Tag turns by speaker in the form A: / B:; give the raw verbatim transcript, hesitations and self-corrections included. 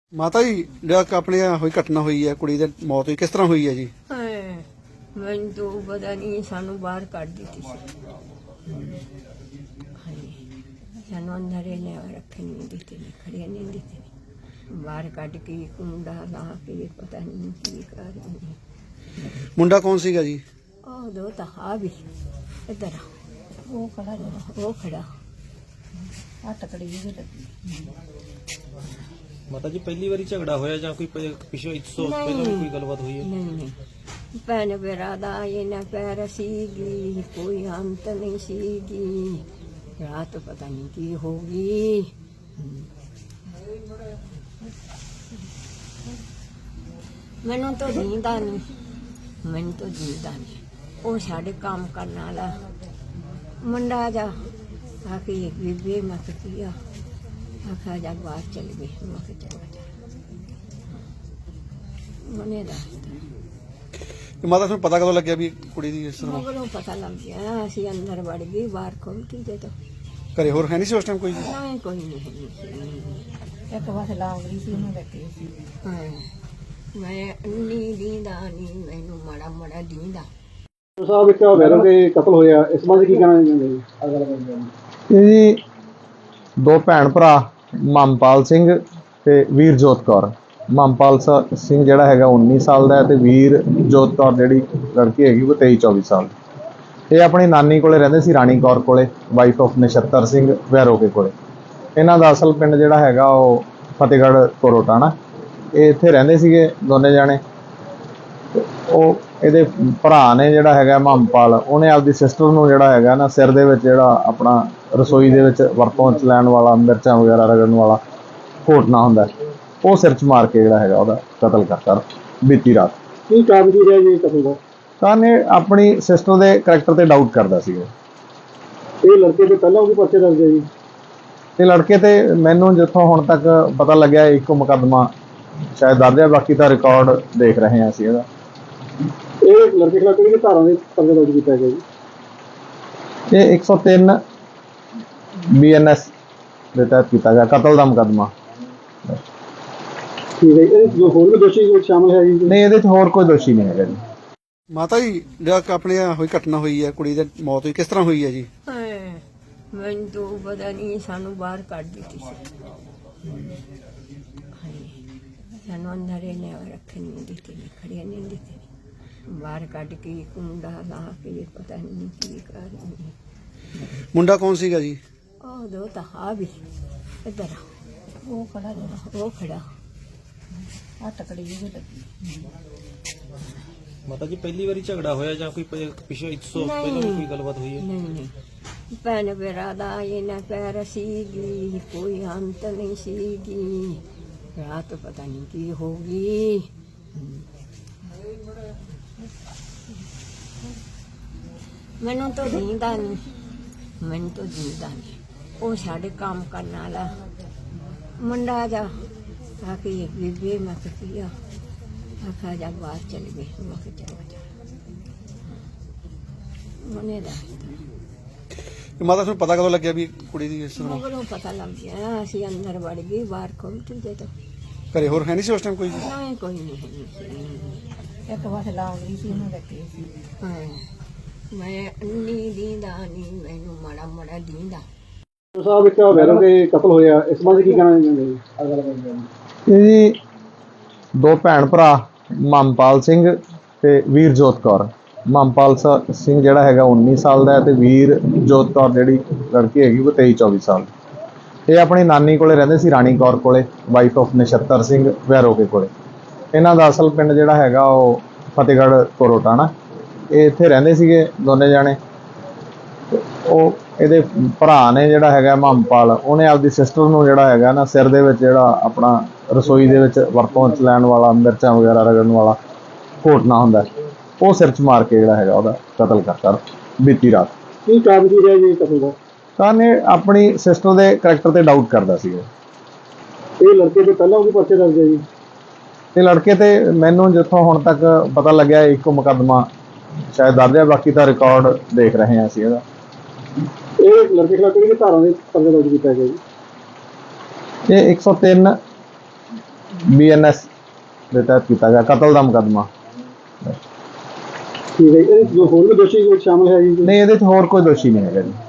A: ਮਾਤਾ ਜੀ ਜਿਹੜਾ ਆਪਣੇ ਹੋਈ ਘਟਨਾ ਹੋਈ ਹੈ, ਕੁੜੀ ਦੀ ਮੌਤ ਹੋਈ, ਕਿਸ ਤਰ੍ਹਾਂ ਹੋਈ ਹੈ ਜੀ?
B: ਹਾਏ, ਮੈਨੂੰ ਤਾਂ ਪਤਾ ਨਹੀਂ, ਸਾਨੂੰ ਬਾਹਰ ਕੱਢ ਦਿੱਤੀ ਸੀ। ਹਾਏ, ਸਾਨੂੰ ਅੰਦਰ ਹੀ ਲਿਆ ਰੱਖਣ ਨਹੀਂ ਦਿੱਤੇ ਨੇ, ਖੜੇ ਨਹੀਂ ਦਿੱਤੇ ਨੇ। ਬਾਹਰ ਕੱਢ ਕੇ ਕੁੰਡਾ ਲਾ ਕੇ ਪਤਾ ਨਹੀਂ ਕੀ ਕਰ ਰਹੇ ਨੇ।
A: ਮੁੰਡਾ ਕੌਣ ਸੀਗਾ ਜੀ?
B: ਉਹ ਦੋ ਤਾਂ ਆ ਵੀ ਇੱਧਰ ਆ, ਉਹ ਖੜਾ ਜਿਹੜਾ, ਉਹ ਖੜਾ ਆ ਟਕੜੀ ਜਿਹੀ ਲੱਗੀ।
C: ਮਾਤਾ ਜੀ ਪਹਿਲੀ ਵਾਰੀ ਝਗੜਾ ਹੋਇਆ ਜਾਂ ਕੋਈ ਪ- ਪਿਛਲੇ ਇੱਕ ਸੌ ਪਹਿਲਾਂ ਵੀ ਕੋਈ ਗੱਲਬਾਤ ਹੋਈ ਹੈ?
B: ਨਹੀਂ ਨਹੀਂ ਭੈਣ ਮੇਰਾ ਦਾ ਇਹਨਾਂ ਪੈਰ ਸੀਗੀ, ਕੋਈ ਅੰਤ ਨਹੀਂ ਸੀਗੀ। ਰਾਤ ਪਤਾ ਨਹੀਂ ਕੀ ਹੋ ਗਈ। ਮੈਨੂੰ ਤਾਂ ਜੀਂਦਾ ਨਹੀਂ, ਮੈਨੂੰ ਤਾਂ ਜੀਂਦਾ ਨਹੀਂ। ਉਹ ਸਾਡੇ ਕੰਮ ਕਰਨ ਵਾਲਾ ਮੁੰਡਾ ਜਾ ਆ ਕੇ ਬੀਬੀ ਮੈਂ ਕਿਹਾ ਆਖਾ ਜਾ ਬਾਹਰ ਚਲ ਗਈ। ਮੈਂ ਕਿਹਾ ਚਲੋ ਜਾ ਮਨੇ ਦਾ
A: ਤੇ ਮਾਤਾ ਤੁਹਾਨੂੰ ਪਤਾ ਕਦੋਂ ਲੱਗਿਆ ਵੀ ਕੁੜੀ ਦੀ ਇਸ ਤਰ੍ਹਾਂ
B: ਮਗਰੋਂ ਪਤਾ ਲੱਗ ਗਿਆ। ਅਸੀਂ ਅੰਦਰ ਵੜ ਗਏ, ਬਾਹਰ ਖੋਲ੍ਹਤੀ ਦੇ ਤੋਂ
A: ਘਰੇ ਹੋਰ ਹੈ ਨਹੀਂ ਸੀ ਉਸ ਟਾਈਮ ਕੋਈ ਜੀ?
B: ਨਹੀਂ ਕੋਈ ਨਹੀਂ ਹੈ। ਇੱਕ ਵਾਰ ਲਾਉਂਦੀ ਸੀ ਉਹਨੂੰ ਲੱਗੀ ਸੀ। ਹਾਂ, ਮੈਂ ਅੰਨੀ ਦੀਂਦਾ ਨਹੀਂ, ਮੈਨੂੰ ਮਾੜਾ ਮਾੜਾ ਦੀਂਦਾ।
A: ਸਾਹਿਬ ਇੱਕ ਵੈਰੋ ਦੇ ਕਤਲ ਹੋਇਆ, ਇਸ ਬਾਰੇ ਕੀ ਕਹਿਣਾ ਚਾਹੁੰਦੇ ਜੀ?
D: ਇਹ ਜੀ ਦੋ ਭੈਣ ਭਰਾ ਮਮਪਾਲ ਸਿੰਘ ਤੇ ਵੀਰਜੋਤ ਕੌਰ। ਮਮਪਾਲ ਸ- ਸਿੰਘ ਜਿਹੜਾ ਹੈਗਾ ਉੱਨੀ ਸਾਲ ਦਾ ਹੈ ਤੇ ਵੀਰਜੋਤ ਕੌਰ ਜਿਹੜੀ ਲੜਕੀ ਹੈਗੀ ਉਹ ਤੇਈ ਚੌਵੀ ਸਾਲ ਦੀ। ਇਹ ਆਪਣੀ ਨਾਨੀ ਕੋਲੇ ਰਹਿੰਦੇ ਸੀ, ਰਾਣੀ ਕੌਰ ਕੋਲੇ, ਵਾਈਫ ਆਫ ਨਛੱਤਰ ਸਿੰਘ ਵੈਰੋਕੇ ਕੋਲੇ। ਇਹਨਾਂ ਦਾ ਅਸਲ ਪਿੰਡ ਜਿਹੜਾ ਹੈਗਾ ਉਹ ਫਤਿਹਗੜ੍ਹ ਕੋਰੋਟਾਣਾ। ਇਹ ਇੱਥੇ ਰਹਿੰਦੇ ਸੀਗੇ ਦੋਨੇ ਜਾਣੇ। ਤੇ ਉਹ ਇਹਦੇ ਭਰਾ ਨੇ ਜਿਹੜਾ ਹੈਗਾ ਮਮਪਾਲ, ਉਹਨੇ ਆਪਦੀ ਸਿਸਟਰ ਨੂੰ ਜਿਹੜਾ ਹੈਗਾ ਨਾ ਸਿਰ ਦੇ ਵਿੱਚ ਜਿਹੜਾ ਆਪਣਾ ਰਸੋਈ ਦੇ ਵਿੱਚ ਵਰਤੋਂ 'ਚ ਲੈਣ ਵਾਲਾ ਮਿਰਚਾਂ ਵਗੈਰਾ ਰਗੜਨ ਵਾਲਾ ਘੋਟਣਾ ਹੁੰਦਾ, ਉਹ ਸਿਰ 'ਚ ਮਾਰ ਕੇ ਜਿਹੜਾ ਹੈਗਾ ਉਹਦਾ ਕਤਲ ਕਰਤਾ ਬੀਤੀ ਰਾਤ।
A: ਕੀ ਕਾਰਨ ਕੀ ਰਿਹਾ ਜੀ ਕਤਲ ਦਾ?
D: ਤਾਂ ਇਹ ਆਪਣੀ ਸਿਸਟਰ ਦੇ ਕਰੈਕਟਰ ਤੇ ਡਾਊਟ ਕਰਦਾ ਸੀਗਾ।
A: ਇਹ ਲੜਕੇ ਤੋਂ ਪਹਿਲਾਂ ਉਹਦੇ ਪਰਚੇ ਦਰਜ ਹੈ ਜੀ?
D: ਤੇ ਲੜਕੇ ਤੇ ਮੈਨੂੰ ਜਿੱਥੋਂ ਹੁਣ ਤੱਕ ਪਤਾ ਲੱਗਿਆ ਇੱਕੋ ਮੁਕੱਦਮਾ ਸ਼ਾਇਦ ਦਰਜ ਹੈ, ਬਾਕੀ ਤਾਂ ਰਿਕਾਰਡ ਦੇਖ ਰਹੇ ਹਾਂ ਅਸੀਂ ਇਹਦਾ।
A: ਇਹ ਲੜਕੇ ਖਿਲਾਫ ਕਿਹੜੀ ਧਾਰਾ ਦੇ ਪਰਚਾ ਦਰਜ ਕੀਤਾ ਗਿਆ ਜੀ?
D: ਇਹ ਇੱਕ ਸੌ ਤਿੰਨ ਬੀ ਐਨ ਐਸ ਦੇ ਤਹਿਤ ਕੀਤਾ ਗਿਆ, ਕਤਲ ਦਾ ਮੁਕੱਦਮਾ।
A: ਠੀਕ ਹੈ, ਇਹ ਜੋ ਹੋਰ ਵੀ ਦੋਸ਼ੀ ਕੋਈ ਸ਼ਾਮਲ ਹੈ ਜੀ?
D: ਨਹੀਂ, ਇਹਦੇ 'ਚ ਹੋਰ ਕੋਈ ਦੋਸ਼ੀ ਨਹੀਂ ਹੈਗਾ ਜੀ।
A: ਮਾਤਾ ਜੀ ਜਿਹੜਾ ਆਪਣੇ ਹੋਈ ਘਟਨਾ ਹੋਈ ਹੈ, ਕੁੜੀ ਦੀ ਮੌਤ ਹੋਈ, ਕਿਸ ਤਰ੍ਹਾਂ ਹੋਈ ਹੈ ਜੀ?
B: ਹਾਏ, ਮੈਨੂੰ ਤਾਂ ਪਤਾ ਨਹੀਂ, ਸਾਨੂੰ ਬਾਹਰ ਕੱਢ ਦਿੱਤੀ ਸੀ। ਹਾਏ, ਸਾਨੂੰ ਅੰਦਰ ਹੀ ਲਿਆ ਰੱਖਣ ਨਹੀਂ ਦਿੱਤੇ ਨੇ, ਖੜੇ ਨਹੀਂ ਦਿੱਤੇ ਨੇ। ਬਾਹਰ ਕੱਢ ਕੇ ਕੁੰਡਾ ਲਾ ਕੇ ਪਤਾ ਨਹੀਂ ਕੀ ਕਰ ਰਹੇ ਨੇ।
A: ਮੁੰਡਾ ਕੌਣ ਸੀਗਾ ਜੀ?
B: ਉਹ ਦੋ ਤਾਂ ਆ ਵੀ ਇੱਧਰ ਆ, ਉਹ ਖੜਾ ਜਿਹੜਾ, ਉਹ ਖੜਾ ਆ ਟਕੜੀ ਜਿਹੀ ਲੱਗੀ।
C: ਮਾਤਾ ਜੀ ਪਹਿਲੀ ਵਾਰੀ ਝਗੜਾ ਹੋਇਆ ਜਾਂ ਕੋਈ ਪ- ਪਿਛਲੇ ਇੱਕ ਸੌ ਪਹਿਲਾਂ ਵੀ ਕੋਈ ਗੱਲਬਾਤ ਹੋਈ ਹੈ?
B: ਨਹੀਂ ਨਹੀਂ ਭੈਣ ਮੇਰਾ ਦਾ ਇਹਨਾਂ ਪੈਰ ਸੀਗੀ, ਕੋਈ ਅੰਤ ਨਹੀਂ ਸੀਗੀ। ਰਾਤ ਪਤਾ ਨਹੀਂ ਕੀ ਹੋ ਗਈ। ਮੈਨੂੰ ਤਾਂ ਜੀਂਦਾ ਨਹੀਂ, ਮੈਨੂੰ ਤਾਂ ਜੀਂਦਾ ਨਹੀਂ। ਉਹ ਸਾਡੇ ਕੰਮ ਕਰਨ ਵਾਲਾ ਮੁੰਡਾ ਜਾ ਆ ਕੇ ਬੀਬੀ ਮੈਂ ਕਿਹਾ ਆਖਾ ਜਾ ਬਾਹਰ ਚਲ ਗਈ। ਮੈਂ ਕਿਹਾ ਚਲੋ ਜਾ ਮਨੇ ਦਾ
A: ਤੇ ਮਾਤਾ ਤੁਹਾਨੂੰ ਪਤਾ ਕਦੋਂ ਲੱਗਿਆ ਵੀ ਕੁੜੀ ਦੀ ਇਸ ਤਰ੍ਹਾਂ
B: ਮਗਰੋਂ ਪਤਾ ਲੱਗ ਗਿਆ। ਅਸੀਂ ਅੰਦਰ ਵੜ ਗਏ, ਬਾਹਰ ਖੋਲ੍ਹਤੀ ਦੇ ਤੋਂ
A: ਘਰੇ ਹੋਰ ਹੈ ਨਹੀਂ ਸੀ ਉਸ ਟਾਈਮ ਕੋਈ ਜੀ?
B: ਨਹੀਂ ਕੋਈ ਨਹੀਂ ਹੈ। ਇੱਕ ਵਾਰ ਲਾਉਂਦੀ ਸੀ ਉਹਨੂੰ ਲੱਗੀ ਸੀ। ਹਾਂ, ਮੈਂ ਅੰਨੀ ਦੀਂਦਾ ਨਹੀਂ, ਮੈਨੂੰ ਮਾੜਾ ਮਾੜਾ ਦੀਂਦਾ।
A: ਸਾਹਿਬ ਇੱਕ ਵੈਰੋ ਦੇ ਕਤਲ ਹੋਇਆ, ਇਸ ਬਾਰੇ ਕੀ ਕਹਿਣਾ ਚਾਹੁੰਦੇ ਜੀ?
D: ਇਹ ਜੀ ਦੋ ਭੈਣ ਭਰਾ ਮਮਪਾਲ ਸਿੰਘ ਤੇ ਵੀਰਜੋਤ ਕੌਰ। ਮਮਪਾਲ ਸ- ਸਿੰਘ ਜਿਹੜਾ ਹੈਗਾ ਉੱਨੀ ਸਾਲ ਦਾ ਹੈ ਤੇ ਵੀਰਜੋਤ ਕੌਰ ਜਿਹੜੀ ਲੜਕੀ ਹੈਗੀ ਉਹ ਤੇਈ ਚੌਵੀ ਸਾਲ ਦੀ। ਇਹ ਆਪਣੀ ਨਾਨੀ ਕੋਲੇ ਰਹਿੰਦੇ ਸੀ, ਰਾਣੀ ਕੌਰ ਕੋਲੇ, ਵਾਈਫ ਆਫ ਨਛੱਤਰ ਸਿੰਘ ਵੈਰੋਕੇ ਕੋਲੇ। ਇਹਨਾਂ ਦਾ ਅਸਲ ਪਿੰਡ ਜਿਹੜਾ ਹੈਗਾ ਉਹ ਫਤਿਹਗੜ੍ਹ ਕੋਰੋਟਾਣਾ। ਇਹ ਇੱਥੇ ਰਹਿੰਦੇ ਸੀਗੇ ਦੋਨੇ ਜਾਣੇ। ਤੇ ਉਹ ਇਹਦੇ ਭਰਾ ਨੇ ਜਿਹੜਾ ਹੈਗਾ ਮਮਪਾਲ, ਉਹਨੇ ਆਪਦੀ ਸਿਸਟਰ ਨੂੰ ਜਿਹੜਾ ਹੈਗਾ ਨਾ ਸਿਰ ਦੇ ਵਿੱਚ ਜਿਹੜਾ ਆਪਣਾ ਰਸੋਈ ਦੇ ਵਿੱਚ ਵਰਤੋਂ 'ਚ ਲੈਣ ਵਾਲਾ ਮਿਰਚਾਂ ਵਗੈਰਾ ਰਗੜਨ ਵਾਲਾ ਘੋਟਣਾ ਹੁੰਦਾ, ਉਹ ਸਿਰ 'ਚ ਮਾਰ ਕੇ ਜਿਹੜਾ ਹੈਗਾ ਉਹਦਾ ਕਤਲ ਕਰਤਾ ਬੀਤੀ ਰਾਤ।
A: ਕੀ ਕਾਰਨ ਕੀ ਰਿਹਾ ਜੀ ਕਤਲ ਦਾ?
D: ਤਾਂ ਇਹ ਆਪਣੀ ਸਿਸਟਰ ਦੇ ਕਰੈਕਟਰ ਤੇ ਡਾਊਟ ਕਰਦਾ ਸੀਗਾ।
A: ਇਹ ਲੜਕੇ ਤੋਂ ਪਹਿਲਾਂ ਉਹਦੇ ਪਰਚੇ ਦਰਜ ਹੈ ਜੀ?
D: ਤੇ ਲੜਕੇ ਤੇ ਮੈਨੂੰ ਜਿੱਥੋਂ ਹੁਣ ਤੱਕ ਪਤਾ ਲੱਗਿਆ ਇੱਕੋ ਮੁਕੱਦਮਾ ਸ਼ਾਇਦ ਦਰਜ ਹੈ, ਬਾਕੀ ਤਾਂ ਰਿਕਾਰਡ ਦੇਖ ਰਹੇ ਹਾਂ ਅਸੀਂ ਇਹਦਾ।
A: ਇਹ ਲੜਕੇ ਖਿਲਾਫ ਕਿਹੜੀ ਧਾਰਾ ਦੇ ਪਰਚਾ ਦਰਜ ਕੀਤਾ ਗਿਆ ਜੀ?
D: ਇਹ ਇੱਕ ਸੌ ਤਿੰਨ ਬੀ ਐਨ ਐਸ ਦੇ ਤਹਿਤ ਕੀਤਾ ਗਿਆ, ਕਤਲ ਦਾ ਮੁਕੱਦਮਾ।
A: ਠੀਕ ਹੈ, ਇਹ ਜੋ ਹੋਰ ਵੀ ਦੋਸ਼ੀ ਕੋਈ ਸ਼ਾਮਲ ਹੈ ਜੀ?
D: ਨਹੀਂ, ਇਹਦੇ 'ਚ ਹੋਰ ਕੋਈ ਦੋਸ਼ੀ ਨਹੀਂ ਹੈਗਾ ਜੀ।